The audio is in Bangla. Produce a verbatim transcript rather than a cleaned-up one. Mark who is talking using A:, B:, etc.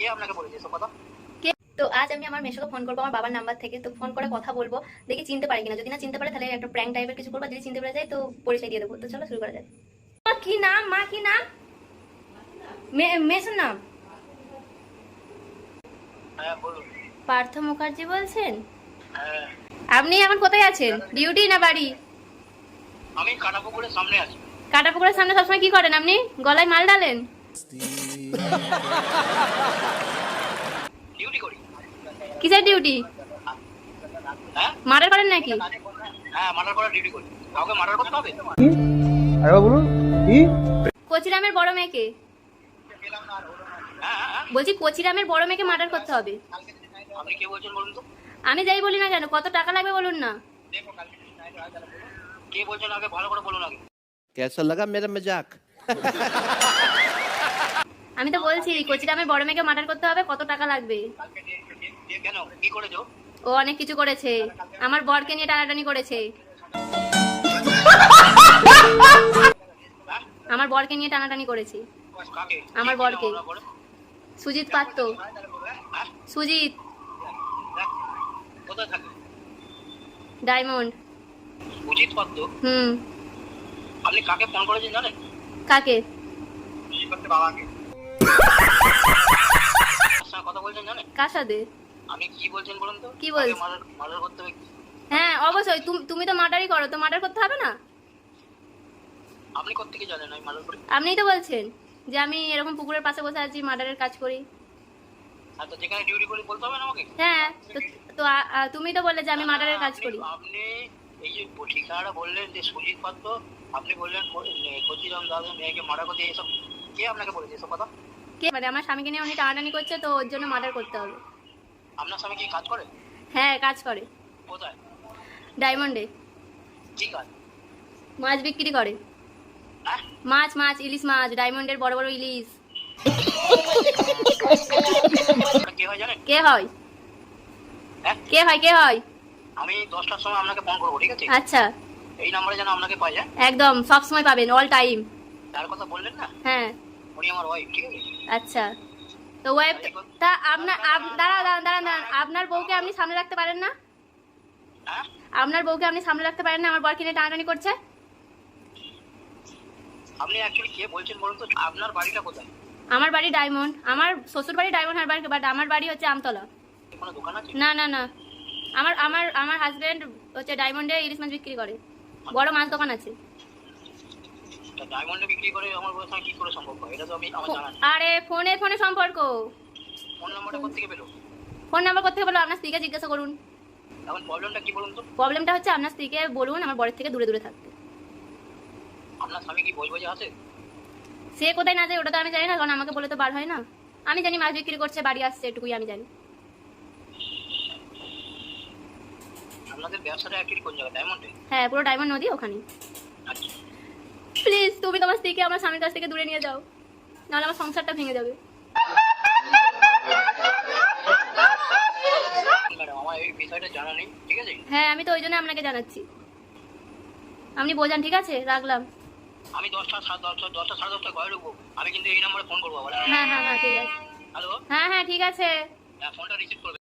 A: কে আপনাকে বলেছে এসব কথা?
B: তো আজ আমি আমার মেশোকে ফোন করবো আমার বাবার নাম্বার থেকে। তো ফোন করে কথা বলবো, দেখি চিনতে পারি কিনা। যদি না চিনতে পারে তাহলে একটা প্র্যাঙ্ক টাইপের কিছু করবো, যদি চিনতে পারে যায় তো পরিচয় দিয়ে দেবো। তো চলো শুরু করা যাক। মা কি নাম? মা কি নাম? মেসোর নাম
A: হ্যাঁ বলুন।
B: পার্থ মুখার্জি বলছেন?
A: হ্যাঁ
B: আপনি এখন কোথায় আছেন? ডিউটি না বাড়ি?
A: আমি কাটাপুকুরের সামনে আছি।
B: কাটাপুকুরের সামনে সবসময় কি করেন আপনি? গলায় মাল ডালেন?
A: ডিউটি করি।
B: কিসের ডিউটি?
A: হ্যাঁ
B: মার্ডার করেন নাকি?
A: হ্যাঁ মার্ডার করার ডিউটি করি। কাউকে মার্ডার করতে হবে?
C: আরে বলুন কি?
B: কোচিরামের বড় মেয়েকে
A: হ্যাঁ হ্যাঁ
B: বলছি, কোচিরামের বড় মেয়েকে মার্ডার করতে হবে।
A: আপনি কে বলছেন বলুন তো?
B: আমি যাই বলি না কেন, কত টাকা লাগবে বলুন না।
A: কে বলছেন আগে ভালো করে বলুন আগে।
C: कैसा लगा मेरा मजाक?
B: আমি তো বলছি কোচিরামের বড় মেয়েকে মার্ডার করতে হবে, কত টাকা লাগবে?
A: কে কেন কি করেছো?
B: ও অনেক কিছু করেছে, আমার বরকে নিয়ে টানাটানি করেছে। আমার বরকে নিয়ে টানাটানি করেছি।
A: কাকে?
B: আমার বরকে।
A: কি নাম ওনার বরের?
B: সুজিত পাত্র।
A: হ্যাঁ?
B: সুজিত
A: কোথায় থাকে?
B: ডায়মন্ড।
A: উচিত পাত্র।
B: হুম।
A: আপনি কাকে ফোন করেছেন জানেন?
B: কাকে?
A: বাবাকে। কথা বলছেন জানেন?
B: কার সাথে?
A: আমি কি বলছেন বলুন তো?
B: কি বলছ?
A: মার্ডার করতে হবে।
B: হ্যাঁ অবশ্যই, তুমি তুমি তো মার্ডারই করো, তো মার্ডার করতে হবে না?
A: আপনি কোত্থেকে জানেন আমি মার্ডার করি?
B: আপনিই তো বলছেন যে আমি এরকম পুকুরের পাশে বসে আছি, মার্ডারের কাজ করি।
A: আর তো যেখানে ডিউটি করি বলতে হবে না আমাকে?
B: হ্যাঁ তো তো আ- আ- তুমি তো বললে যে আমি মার্ডারের কাজ
A: আপনি-
B: করি।
A: আপনি এই যে ঠিকানাটা বললেন যে সুজিত পাত্র, আপনি বললেন কচিরাম দাদা মেয়েকে মার্ডার করতে, এসব কে আপনাকে বলেছে এসব কথা?
B: কে মানে আমার স্বামীকে নিয়ে উনি টানাটানি করছে, তো ওর জন্য মার্ডার করতে হবে।
A: আপনার স্বামী কি কাজ করে?
B: হ্যাঁ কাজ করে।
A: কোথায়?
B: ডায়মন্ডে
A: কি কাজ?
B: মাছ বিক্রি করে।
A: হ্যাঁ
B: মাছ মাছ ইলিশ মাছ, ডায়মন্ডের বড় বড় ইলিশ।
A: ওটা কে হয় জানেন?
B: কে হয়?
A: হ্যাঁ
B: কে হয় কে হয়?
A: আমি দশটার সময় আপনাকে ফোন করবো, ঠিক আছে?
B: আচ্ছা
A: এই নাম্বারে যেন আপনাকে পাই যায়।
B: একদম সব সময় পাবেন, অল টাইম।
A: তার কথা বললেন না,
B: হ্যাঁ
A: উনি আমার ওয়াইফ, ঠিক আছে?
B: আচ্ছা তো ওয়েব তা আপনার আপ- দাঁড়া দাঁড়া দাঁড়া দাঁড়ান, আপনার বউকে আপনি সামনে রাখতে পারেন না?
A: হ্যাঁ
B: আপনার বউকে আপনি সামনে রাখতে পারেন না? আমার বর কিনে টানাটানি করছে।
A: আপনি অ্যাকচুয়ালি কে বলছেন বলুন তো? আপনার বাড়িটা কোথায়?
B: আমার বাড়ি ডায়মন্ড, আমার শ্বশুর বাড়ি ডায়মন্ড হারবার, বাট আমার বাড়ি হচ্ছে আমতলা।
A: কোনো দোকান আছে?
B: না না না, আমার আমার আমার হাজবেন্ড হচ্ছে ডায়মন্ডে ইলিশ মাছ বিক্রি করে, বড় মাছ দোকান আছে।
A: তা ডায়মন্ডে বিক্রি করে আমার বউয়ের সঙ্গে কি করে সম্ভব হয়? এটা তো আমি আমার জানা নেই।
B: আরে ফোনে ফোনে সম্পর্ক।
A: ফোন নাম্বারটা কোত্থেকে পেলো?
B: ফোন নাম্বার কোথা থেকে বলো? আপনার স্ত্রীকে জিজ্ঞাসা করুন।
A: এখন প্রবলেমটা কি বলুন তো?
B: প্রবলেমটা হচ্ছে আপনার স্ত্রীকে বলুন আমার বরের থেকে দূরে দূরে থাকতে।
A: আপনার স্বামী কি বই বজে আছে?
B: সে কোথায় না যায় ওটা তো আমি জানি না, কারণ আমাকে বলে তো বার হয় না। আমি জানি মাছ বিক্রি করছে, বাড়ি আসছে, এটুকুই আমি জানি।
A: আপনাদের ব্যবসাটা অ্যাকচুয়ালি কোন জায়গায়? ডায়মন্ডে?
B: হ্যাঁ পুরো ডায়মন্ড নদী ওখানে।
A: আচ্ছা
B: প্লিজ তুমি তোমার স্ত্রীকে আমার স্বামীর কাছ থেকে দূরে নিয়ে যাও, নাহলে আমার সংসারটা ভেঙে যাবে।
A: ম্যাডাম আমার এই বিষয়টা জানা নেই, ঠিক আছে?
B: হ্যাঁ আমি তো ওই জন্য আপনাকে জানাচ্ছি, আপনি বোঝান। ঠিক আছে রাখলাম।
A: আমি দশটা সাড়ে দশটা দশটা সাড়ে দশটা ঘরে ঢুকবো, আমি কিন্তু এই নাম্বারে ফোন করবো আবার।
B: হ্যাঁ হ্যাঁ হ্যাঁ ঠিক আছে।
A: হ্যালো,
B: হ্যাঁ হ্যাঁ ঠিক আছে।
A: হ্যাঁ ফোনটা রিসিভ করবে।